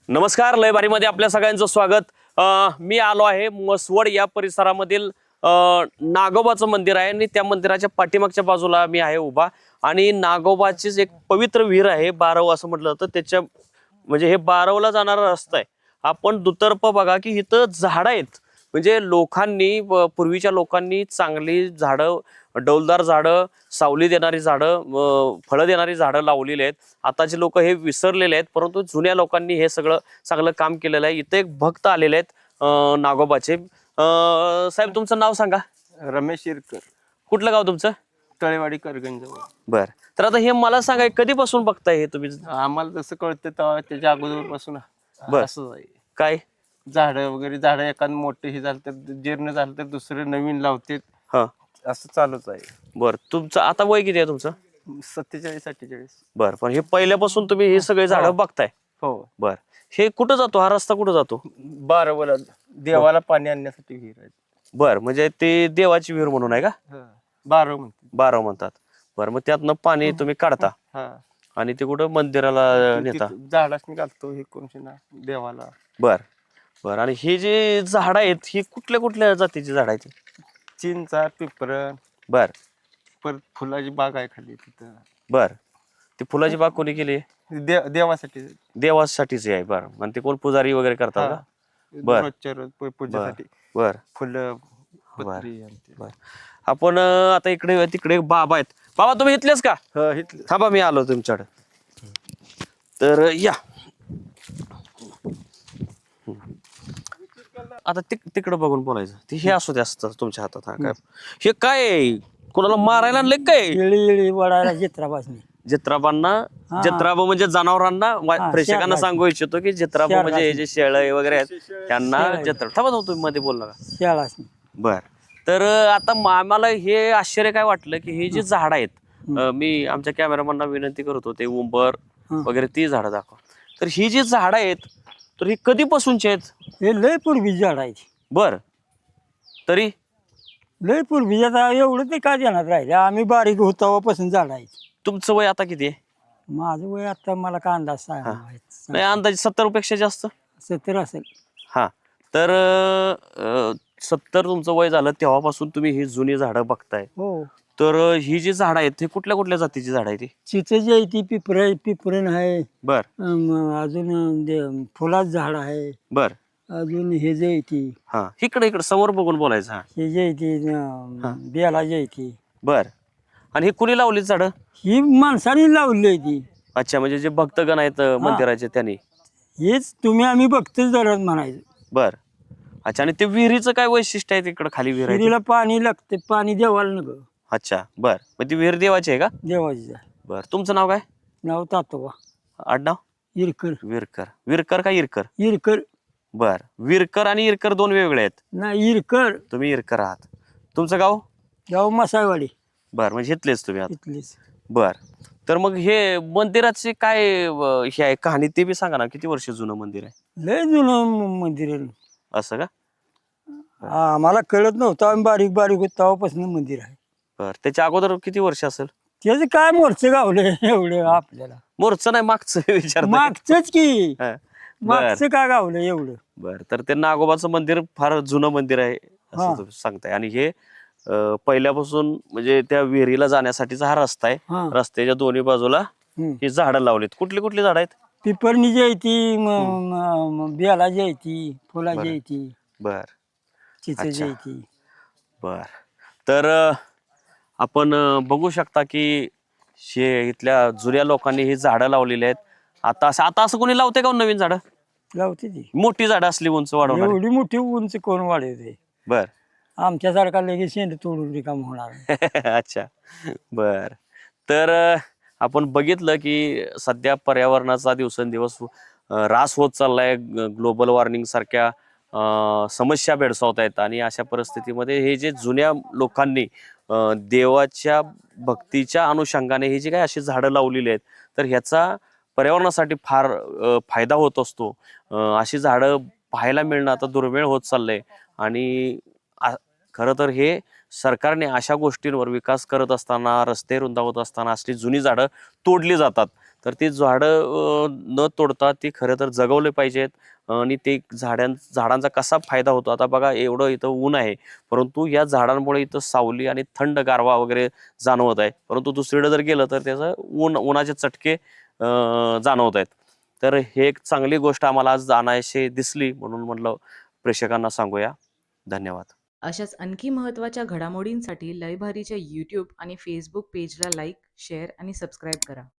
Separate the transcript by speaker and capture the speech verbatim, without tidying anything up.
Speaker 1: नमस्कार, लय भारीमध्ये आपल्या सगळ्यांचं स्वागत. अ, मी आलो आहे मसवड या परिसरामधील अ, नागोबाचं मंदिर आहे आणि त्या मंदिराच्या पाठीमागच्या बाजूला मी आहे उभा. आणि नागोबाचीच एक पवित्र विहीर आहे बारव असं म्हटलं तर त्याच्या म्हणजे हे बारवला जाणारा रस्ता आहे. आपण दुतर्फ बघा की इथं झाडं आहेत. म्हणजे लोकांनी व पूर्वीच्या लोकांनी चांगली झाडं, डौलदार झाडं, सावली देणारी झाडं, अ, फळं देणारी झाडं लावलेली आहेत. आताचे लोक हे विसरलेले आहेत, परंतु जुन्या लोकांनी हे सगळं चांगलं काम केलेलं आहे. इथे एक भक्त आलेले आहेत अ, नागोबाचे. अ, साहेब तुमचं नाव सांगा.
Speaker 2: रमेश इरकर,
Speaker 1: कुठलं गाव तुमचं?
Speaker 2: तळेवाडी करगंज.
Speaker 1: बर. तर आता हे मला सांगा, कधीपासून बघताय हे तुम्ही?
Speaker 2: आम्हाला जसं कळतं तेव्हा त्याच्या अगोदरपासून
Speaker 1: बर.
Speaker 2: असं आहे.
Speaker 1: काय
Speaker 2: झाडं वगैरे झाडं एखादं मोठे हे झालं तर जीर्ण झालं तर दुसरं नवीन लावते,
Speaker 1: हा
Speaker 2: असं चालूच आहे.
Speaker 1: बर. तुमचं आता वय किती आहे तुमचं?
Speaker 2: सत्तेचाळीस अठ्ठेचाळीस.
Speaker 1: बर. पण हे पहिल्यापासून तुम्ही हे सगळे झाडं बघताय?
Speaker 2: हो.
Speaker 1: बर. हे कुठं जातो, हा रस्ता कुठं जातो?
Speaker 2: बारावला देवाला पाणी आणण्यासाठी विहीर आहे.
Speaker 1: बर. म्हणजे ते देवाची विहीर म्हणून आहे का?
Speaker 2: बाराव म्हणते.
Speaker 1: बाराव म्हणतात. बर. मग त्यातनं पाणी तुम्ही काढता
Speaker 2: हा.
Speaker 1: आणि ते कुठं मंदिराला नेता?
Speaker 2: झाडाच घालतो हे कोणशी ना देवाला.
Speaker 1: बर बर. आणि हे जे झाड आहेत ही कुठल्या कुठल्या जातीची झाड आहेत?
Speaker 2: चिंचा, पिपरण,
Speaker 1: बर
Speaker 2: परत फुलाची बाग आहे खाली तिथं.
Speaker 1: बर. ती फुलाची बाग कोणी केली?
Speaker 2: दे देवासाठी.
Speaker 1: देवासाठीच आहे. बर. आणि ते कोण पुजारी वगैरे करतात का? बर.
Speaker 2: रोजच्या रोज पू- पूजेसाठी
Speaker 1: बर
Speaker 2: फुलं,
Speaker 1: बर
Speaker 2: पत्री आणि ते.
Speaker 1: बर. आपण अं, आता इकडे तिकडे एक बाबा आहेत. बाबा तुम्ही इथलेच का?
Speaker 2: हा, इथलं.
Speaker 1: थांबा, मी आलो तुमच्याकडे. तर या आता तिक तिकडं बघून बोलायचं. ते हे असू दे, असतं तुमच्या हातात. हा काय हे काय आहे? कोणाला मारायला आणलंय काय?
Speaker 3: येळी येळी वडायला चित्रापासून
Speaker 1: जत्राबांना,
Speaker 3: हा.
Speaker 1: जत्राबा म्हणजे जनावरांना. वा-
Speaker 3: हा,
Speaker 1: प्रेक्षकांना
Speaker 3: शेळराशी.
Speaker 1: सांगू इच्छितो की जत्राबा म्हणजे हे जे शेळ वगैरे आहेत त्यांना
Speaker 3: शेळं.
Speaker 1: जत्रा. थांबा थांबा, तुम्ही मध्ये बोल नका.
Speaker 3: शाळा
Speaker 1: बर. तर अं, आता म- आम्हाला हे आश्चर्य काय वाटलं की हे जे झाड आहेत, अं, मी आमच्या कॅमेरामॅनना विनंती करतो ते उंबर
Speaker 3: हं.
Speaker 1: वगैरे ती झाडं दाखवा. तर ही जी झाडं आहेत तर ही कधीपासूनची आहेत?
Speaker 3: हे लय पूर्वी झाड आहे
Speaker 1: बर. तरी
Speaker 3: लय पूर्वी. आता एवढं ते काय ध्यानात राहिले, आम्ही बारीक होतापासून झाड आहे.
Speaker 1: तुमचं वय आता किती आहे?
Speaker 3: माझं वय आता मला का अंदाज सांगा.
Speaker 1: नाही, अंदाजे सत्तर पेक्षा जास्त.
Speaker 3: सत्तर असेल.
Speaker 1: हा. तर अं, सत्तर तुमचं वय झालं तेव्हापासून तुम्ही ही जुनी झाडं बघताय.
Speaker 3: हो.
Speaker 1: तर अं, ही जी झाडं आहेत ही कुठल्या कुठल्या जातीची झाड आहेत? ती
Speaker 3: चिचेची आहे ती, पिपर पिपरण आहे.
Speaker 1: बर
Speaker 3: अं, अजून ते फुलाचं झाड आहे.
Speaker 1: बर.
Speaker 3: अजून हे जे आहे ती,
Speaker 1: हा, इकडे इकडे समोर बघून बोलायचं. हा
Speaker 3: हे जे आहे ती अं, बेलाची आहे ती.
Speaker 1: बर. आणि हे कुणी लावली झाडं?
Speaker 3: ही माणसाने लावली आहे ती.
Speaker 1: अच्छा, म्हणजे जे भक्तगण आहेत अं, मंदिराचे त्यांनी.
Speaker 3: हेच तुम्ही आम्ही बघतोच जरा म्हणायचं.
Speaker 1: बर. अच्छा. आणि ते विहिरीचं काय वैशिष्ट्य आहे? तिकडे खाली विहीर आहे ती?
Speaker 3: विहिरीला पाणी लागते, पाणी देवाला नको.
Speaker 1: अच्छा. बर. मग ती विहीर देवाची आहे का?
Speaker 3: देवाची आहे.
Speaker 1: बर. तुमचं नाव काय?
Speaker 3: नाव तातोबा
Speaker 1: आडनाव?
Speaker 3: इरकर.
Speaker 1: विरकर. विरकर का इरकर?
Speaker 3: इरकर
Speaker 1: बर. विरकर आणि इरकर दोन वेगळे आहेत.
Speaker 3: नाही, इरकर.
Speaker 1: तुम्ही इरकर आहात. तुमचं गाव?
Speaker 3: गाव मसायवाडी
Speaker 1: बर. म्हणजे इथलेच तुम्ही आता?
Speaker 3: इथलीच.
Speaker 1: बर. तर मग हे मंदिराची काय अं, हे आहे कहाणी ते बी सांगा ना. किती वर्ष जुनं मंदिर आहे?
Speaker 3: लय जुनं म- मंदिर आहे.
Speaker 1: असं का?
Speaker 3: आम्हाला कळत नव्हतं, आम्ही बारीक बारीक होत तेव्हापासून मंदिर आहे.
Speaker 1: बर. त्याच्या अगोदर किती वर्ष असेल?
Speaker 3: त्याचं काय मोर्चं गावलं एवढं आपल्याला.
Speaker 1: मोरचं नाही, मागचं विचार.
Speaker 3: मागचंच की.
Speaker 1: बर
Speaker 3: मागचं काय गावलं एवढं.
Speaker 1: बर. तर ते नागोबाचं मंदिर फार जुनं मंदिर आहे
Speaker 3: हा.
Speaker 1: असं तुम्ही सांगताय. आणि हे अं, पहिल्यापासून म्हणजे त्या विहिरीला जाण्यासाठीचा हा रस्ता आहे.
Speaker 3: हा.
Speaker 1: रस्त्याच्या दोन्ही बाजूला
Speaker 3: हम्म.
Speaker 1: ही झाडं लावलीत. कुठली कुठली झाडं आहेत?
Speaker 3: पिपरणी आहे ती, म- म- म- बेलाची आहे ती, फुलाची आहे ती,
Speaker 1: बर
Speaker 3: चिचेची
Speaker 1: अच्छा.
Speaker 3: आहे ती.
Speaker 1: बर. तर अं, आपण अं, बघू शकता की शे इथल्या जुन्या लोकांनी ही झाडं लावलेली आहेत. आता असं आता असं कोणी लावते का हो नवीन झाडं?
Speaker 3: लावते ती.
Speaker 1: मोठी झाडं असली उंच वाढवणार?
Speaker 3: एवढी मोठी उंच कोण वाढवते?
Speaker 1: बर.
Speaker 3: आमच्यासारखा लगेच शेंड तोडून रिकाम होणार.
Speaker 1: अच्छा. बर. तर अं, आपण बघितलं की सध्या पर्यावरणाचा दिवसेंदिवस अं, ऱ्हास होत चाललाय. ग्लोबल वॉर्मिंग सारख्या अं, समस्या भेडसावत आहेत. आणि अशा परिस्थितीमध्ये हे जे जुन्या लोकांनी अं, देवाच्या भक्तीच्या अनुषंगाने ही जी काही अशी झाडं लावलेली आहेत तर ह्याचा पर्यावरणासाठी फार अं, फायदा होत असतो. अं, अशी झाडं पाहायला मिळणं आता दुर्मिळ होत चाललंय. आणि आ- खरं तर हे सरकारने अशा गोष्टींवर विकास करत असताना, रस्ते रुंदावत असताना असली जुनी झाडं तोडली जातात. तर ती झाडं अं, न तोडता ती खरं तर जगवले पाहिजेत. आणि ते झाडां झाडांचा कसा फायदा होतो, आता बघा एवढं इथं ऊन आहे, परंतु या झाडांमुळे इथं सावली आणि थंड गारवा वगैरे जाणवत आहे. परंतु दुसरीकडे जर गेलं तर त्याचं ऊन उन्हाचे चटके अं, जाणवत आहेत. तर हे एक चांगली गोष्ट आम्हाला आज जाणायशी दिसली, म्हणून म्हटलं प्रेक्षकांना सांगूया. धन्यवाद.
Speaker 4: अशाच आणखी महत्त्वाच्या घडामोडींसाठी लयभारीच्या यूट्यूब आणि फेसबुक पेजला लाईक, शेअर आणि सबस्क्राईब करा.